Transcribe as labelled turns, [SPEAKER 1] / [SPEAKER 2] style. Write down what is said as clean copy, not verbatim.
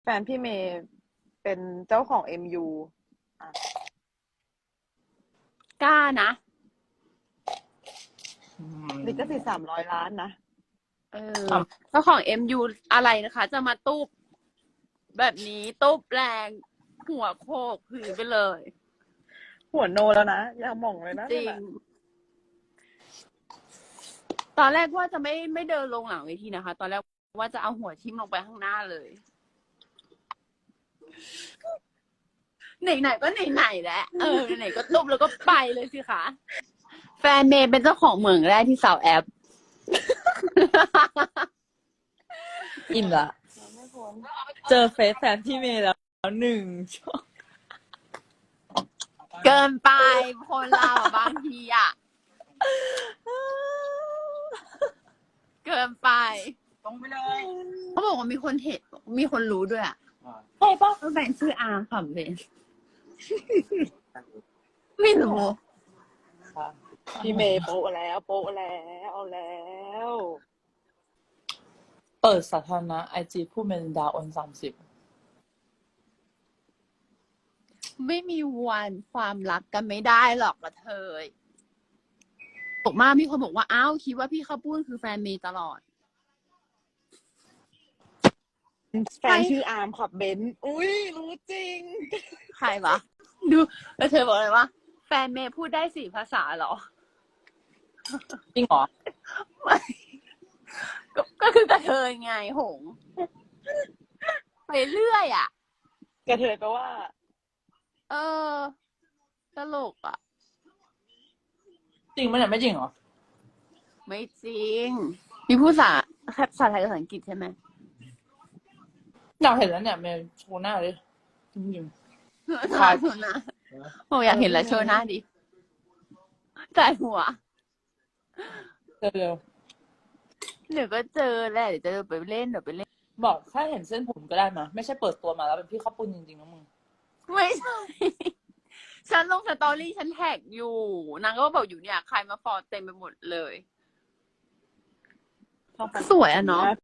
[SPEAKER 1] แฟนพี่เมย์เป็นเจ้าของ MU อ่ะ
[SPEAKER 2] กล้านะ
[SPEAKER 1] ลิขสิทธิ์300 ล้านนะ
[SPEAKER 2] เออเจ้าของ MU อะไรนะคะ จะมาตุบแบบนี้ตุบแรงหัวโขกผืนไปเลย
[SPEAKER 1] หัวโนแล้วนะ อย่าหม่องเลยนะ
[SPEAKER 2] จริ
[SPEAKER 1] นั่น
[SPEAKER 2] ง
[SPEAKER 1] น่ะ
[SPEAKER 2] ตอนแรกว่าจะไม่เดินลงหลังเวทีนะคะ ตอนแรกว่าจะเอาหัวทิ่มลงไปข้างหน้าเลย ไหนๆก็ไหนๆแล้วไหนๆก็ตุบแล้วก็ไปเลยสิคะแฟนเมย์เป็นเจ้าของเหมืองแรกที่สาวแอป
[SPEAKER 3] อิ่มละ
[SPEAKER 1] ไม่พ้น
[SPEAKER 3] เจอเฟซแฟนพี่เมย์แล้วหนึ่งช่วง
[SPEAKER 2] เกินไปคนเราอะบางทีอ่ะ เกินไป
[SPEAKER 1] ตรงไปเลย
[SPEAKER 2] เขาบอกว่ามีคนเห็นมีคนรู้ด้วยอ่ะ
[SPEAKER 3] ใช่ปะ
[SPEAKER 2] ว่าแฟนชื่ออาค่ะเบนไม่รู้
[SPEAKER 3] ค่ะ
[SPEAKER 1] พี่เมย์โปะแล้วโปะแล้วเอาแล้ว
[SPEAKER 3] เปิดสาธารณะไอจีผู้เมลินดาออน30
[SPEAKER 2] ไม่มีวันความรักกันไม่ได้หรอกกระเทยบอกมากมีคนบอกว่าอ้าวคิดว่าพี่ข้าวปุ้นคือแฟนเมย์ตลอด
[SPEAKER 1] แฟนชื่ออาร์มขับเบนซ์อุ้ยรู้จริง
[SPEAKER 2] ใครวะดูแล้วเธอบอกเลยว่าแฟนเมย์พูดได้4 ภาษาเหรอ
[SPEAKER 3] จริงเหรอ
[SPEAKER 2] ไม่ก็คือกระเทยไงหง ไปเรื่อยอ่ะ
[SPEAKER 1] กระเทยแปลว่า
[SPEAKER 2] เออ ตลกอ่ะ
[SPEAKER 3] จริงไหมเนี่ยไม่จริงเหรอ
[SPEAKER 2] ไม่จริง มีผู้ภาษาไทยกับภาษาอังกฤษใช่ไหม
[SPEAKER 3] อยากเห็นแล้วเนี่ยเมย์โชว์หน้าเลยจริง
[SPEAKER 2] ถ่ายหัวหน้าโอ้อยากเห็นแล้วโชว์หน้าดิจ่ายหัว
[SPEAKER 3] ๆเร็ว
[SPEAKER 2] เดี๋ยวก็เจอแหละเดี๋ยวจะไปเล่น
[SPEAKER 3] ๆบอกถ้าเห็นเส้นผมก็ได้มาไม่ใช่เปิดตัวมาแล้วเป็นพี่ข้าวปุ้นจริงๆนะมึง
[SPEAKER 2] ไม่ใช่ ฉันลงสตอรี่ฉันแท็กอยู่นางก็บอกอยู่เนี่ยใครมาฟอลเต็มไปหมดเลย สวยอะเนาะ